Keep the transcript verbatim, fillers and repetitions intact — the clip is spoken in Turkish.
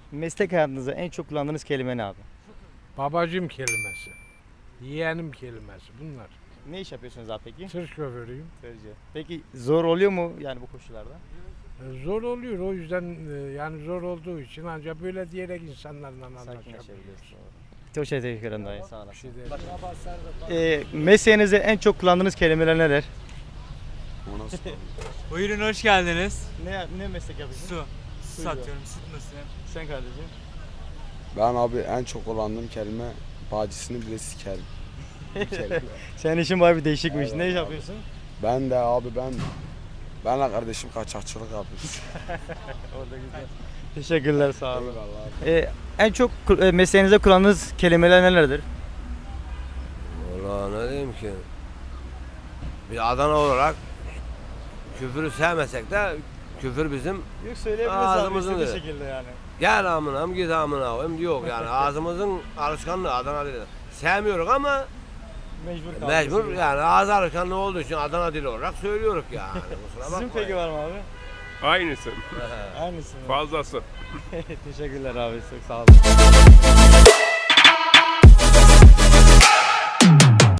Meslek hayatınızda en çok kullandığınız kelime ne abi? Babacım kelimesi, yeğenim kelimesi bunlar. Ne iş yapıyorsunuz abi peki? Tır şoförüyüm. Tırcı. Peki zor oluyor mu yani bu koşullarda? E, Zor oluyor o yüzden e, yani zor olduğu için ancak böyle diyerek insanlarla anlaşabiliyoruz. Sakinleşebiliyorsun. Çok şey teşekkür ederim dayı sağ Bir olasın. şey değil. Ee, mesleğinizde en çok kullandığınız kelimeler neler? Buyurun hoş geldiniz. Ne ne meslek yapıyorsun? Su. Su Buyurun. satıyorum, sıtmasın. Sen kardeşim. Ben abi en çok kullandığım kelime bacısını bile sikerim. Bir kelime. Senin işin bayağı bir değişikmiş. Aynen Ne iş abi. yapıyorsun? Ben de abi ben benle kardeşim kaçakçılık yapıyoruz. Orada güzel. Teşekkürler sağ olun. Eyvallah abi. Ee, en çok ku- e, mesleğinizde kullandığınız kelimeler nelerdir? Valla ne diyeyim ki? Bir Adana olarak küfürü sevmesek de küfür bizim Yok söyleyebiliriz Ağzımızın abi istediği dedi. şekilde yani. gel amına git amına koyayım yok yani ağzımızın alışkanlığı Adana dili. Sevmiyoruz ama Mecbur kaldık. mecbur yani ağız alışkanlığı olduğu için Adana dili olarak söylüyoruz yani. Kusura Sizin bakmayın. peki var mı abi? Aynısı. Aynısı mı? Fazlası. Teşekkürler abi çok sağ olun.